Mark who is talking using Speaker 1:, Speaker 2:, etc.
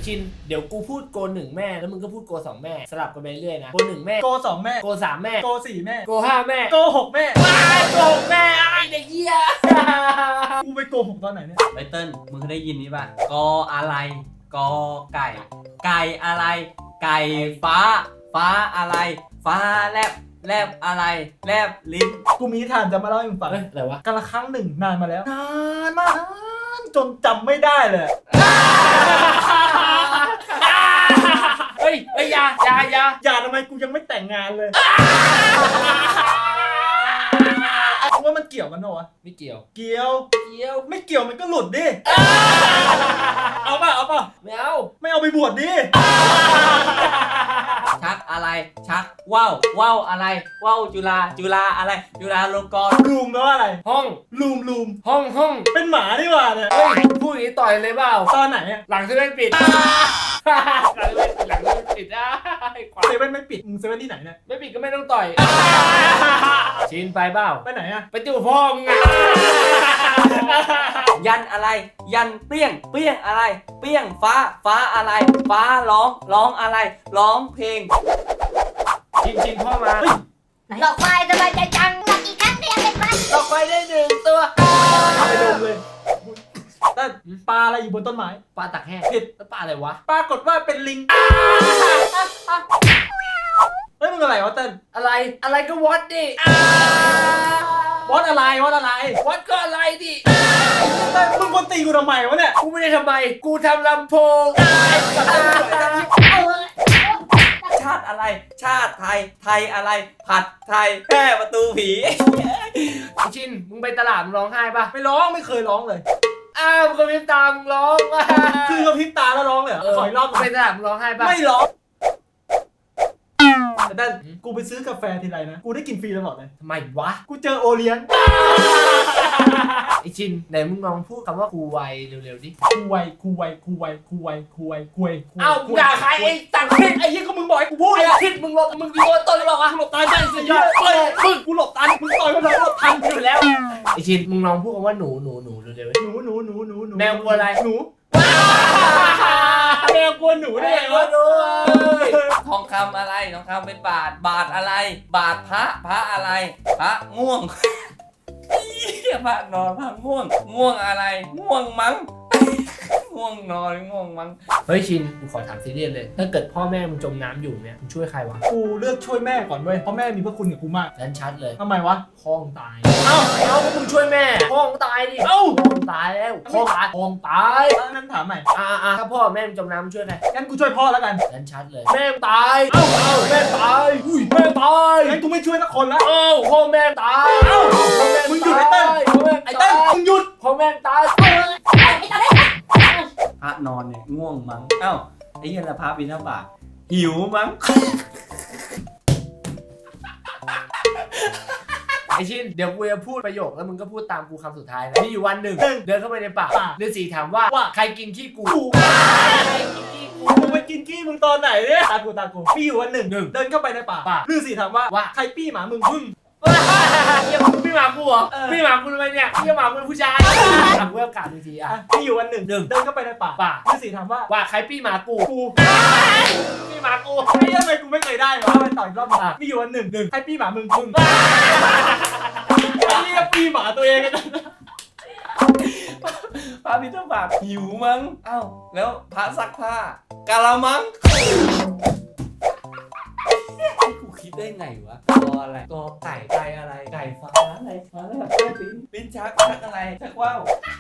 Speaker 1: ชินเดี๋ยวกูพูดโก1แม่แล้วมึงก็พูดโก2แม่สลับกันไปเรื่อยนะโก1แม่
Speaker 2: โก2แม่
Speaker 1: โก3แม่
Speaker 2: โก4แม่
Speaker 1: โก5แม่
Speaker 2: โก6แม่
Speaker 1: ว้ายโก6แม่ไอ้เด็กเหี้ย
Speaker 2: กูไปโก6ตอนไหนเนี่ย
Speaker 3: ไบเติ้ลมึงเคยได้ยินนี้ป่ะกออะไรกอไก่ไก่อะไรไก่ฟ้าฟ้าอะไรฟ้าแลบแลบอะไรแลบลิ้น
Speaker 2: กูมีนิทานจะมาเล่าให้มึงฟัง
Speaker 1: อะไรวะ
Speaker 2: กันละครั้งหนึ่งนานมาแล้วนานมากนานจนจำไม่ได้เลย
Speaker 1: เฮ้ยอย่า
Speaker 2: ทำไมกูยังไม่แต่งงานเลยว่ามันเกี่ยวกันเหรอวะ
Speaker 1: ไม่เกี่ยว
Speaker 2: เกี่ยวไม่เกี่ยวมันก็หลุดดิเอาป่ะ
Speaker 1: ไม่เอา
Speaker 2: ไม่เอาไปบวชดิ
Speaker 3: ชักอะไรชักว่าวอะไรว่าวจุฬาอะไรจุฬาลงกรณ์
Speaker 2: ลูมแปลว่าอะไร
Speaker 1: ห้อง
Speaker 2: ลูม
Speaker 1: ห้อง
Speaker 2: เป็นหมาดีกว่าเนี่ย
Speaker 1: เฮ้ยพูดอย่างนี้ต่อยเลยเปล่า
Speaker 2: ตอนไหนอะ
Speaker 1: หลังเซเว่นปิดหลังเซเว่นปิด
Speaker 2: เซเว่นไม่ปิดมึงเซเว่นที่ไหนเนี่ย
Speaker 1: ไม่ปิดก็ไม่ต้องต่อยชินไปเปล่า
Speaker 2: ไปไหนอะ
Speaker 1: ไปจู่พ่อมึงอะ
Speaker 3: ยันอะไรยันเปี้ยงอะไรเปี้ยงฟ้าอะไรฟ้าร้องอะไรร้องเพลง
Speaker 1: ชินพ่อมา
Speaker 4: หลอกควายสบายใจจังหลอกอีกครั้งเดียวเป็นวัน
Speaker 1: หลอกไปได้1ตัว
Speaker 2: ไปดมเลยแต่ปลาอะไรอยู่บนต้นไม้
Speaker 1: ปลาตักแห้ง
Speaker 2: ผิด
Speaker 1: แล้วปลาอะไรวะ
Speaker 2: ปรากฏว่าเป็นลิงเฮ้ยมึงอะไรวะเต้น
Speaker 1: อะไรก็วอดดิ
Speaker 2: วัดอะไร
Speaker 1: วอดก็อะไรดิ
Speaker 2: มึงคนตีกูทำไมวะเนี่ย
Speaker 1: กูไม่ได้ทำไมกูทำลำโพง
Speaker 3: ชาติอะไรชาติไทยอะไรผัดไทยแพร่ประตูผี
Speaker 1: ชินมึงไปตลาดมึงร้องไห้ปะ
Speaker 2: ไม่ร้องไม่เคยร้องเลย
Speaker 1: มึงก็พริบตามึงร้อง
Speaker 2: คือเขาพริบตาแล้วร้องเลยขออีกรอบ
Speaker 1: ไปตลาดมึงร้องไห้ปะ
Speaker 2: ไม่ร้องแต่กูไปซื้อกาแฟทีไรนะกูได้กินฟรีตลอดเลย
Speaker 1: ทำไมวะ
Speaker 2: กูเจอโอเลี้ยง
Speaker 1: ไอชินไหนมึงลองพูดคำว่ากูไวเร็วๆดิ
Speaker 2: กูไว
Speaker 1: มึงด่าใครไอ้ตังค์ไอ้ยี่ก็มึงบอกให้กูพูดไอ้ทิศมึงหลบมึงดีตัวต้นหรอกอะหลบตาใจสุดยอด
Speaker 2: มึงกูหลบตันมึงต่อยมันหลบทัน
Speaker 1: อยู่แล้วไอชินมึงลองพูดคำว่าหนูเร็วๆ
Speaker 2: หนู
Speaker 1: แมวกลัวอะไร
Speaker 2: หนูแมวกลัวหนูได้ไงวะ
Speaker 3: ทองคำอะไรทองคำเป็นบาทอะไรบาทพระอะไรพระง่วงพระนอนพระง่วงอะไรง่วงมั้งง่วงนอนง่วงมั้ง
Speaker 1: เฮ้ยชินกูขอถามซีเรียสเลยถ้าเกิดพ่อแม่มึงจมน้ำอยู่เนี่ยมึงช่วยใครวะ
Speaker 2: กูเลือกช่วยแม่ก่อนเว้ยเพราะแม่มีพระคุณกับกูมาก
Speaker 1: นั่นชัดเลย
Speaker 2: ทำไมวะ
Speaker 1: พ่องตายมึงช่วยแม่พ่องตายดิพ่องตายแล้วพ่องตาย
Speaker 2: นั่นถามใหม่
Speaker 1: ถ้าพ่อแม่มึงจมน้ำมึงช่วยใคร
Speaker 2: งั้นกูช่วยพ่อแล้วกัน
Speaker 1: นั่นชัดเลยแม่ตายแม่ตายแม่ตาย
Speaker 2: งั้นกูไม่ช่วยสักคนละ
Speaker 1: พ่อแม่ตาย
Speaker 2: มึงหยุดไอ้เต้นมึงหยุด
Speaker 1: พ่อแม่ตาย
Speaker 3: พระนอนเนี่ยง่วงมั้งไอ้เหี้ยละพระบิณฑบาตหิวมั้ง
Speaker 1: ไอชินเดี๋ยวกูจะพูดประโยคแล้วมึงก็พูดตามกูคำสุดท้ายนะมีอยู่วันหนึ่งเดินเข้าไปในป่าฤาษีถามว่าใครกินขี้กู
Speaker 2: มึงไปกินขี้มึงตอนไหนเนี่ยตากูมีอยู่วันหนึ่งเดินเข้าไปในป่าฤาษีถามว่าใครปี้หมามึง
Speaker 1: ยังพี่หมากูเหรอพี่หมากูทำไมเนี่ยพี่หมากูเป็นผู้ชายถามเพื่อการที
Speaker 2: มีอยู่วันหนึ่งเดินเข้าไปในป่าฤาษีถามว่าใคร
Speaker 1: ปี้หมากูพี่หมากู
Speaker 2: ไม่ทำไมกูไม่เคยได้วะไปต่อยรอบมีอยู่วันหนึ่งใครปี้หมามึงไอ้เรียกปี้หมาตัวเองกัน
Speaker 3: พระบิณฑบาตหิวมั้งแล้วพระซักผ้ากะละมังกูคิดได้ไงวะกออะไรกอไก่อะไรไก่ฟ้าอะไรฟ้าอะไรลิ้นชักอะไรชักว่าว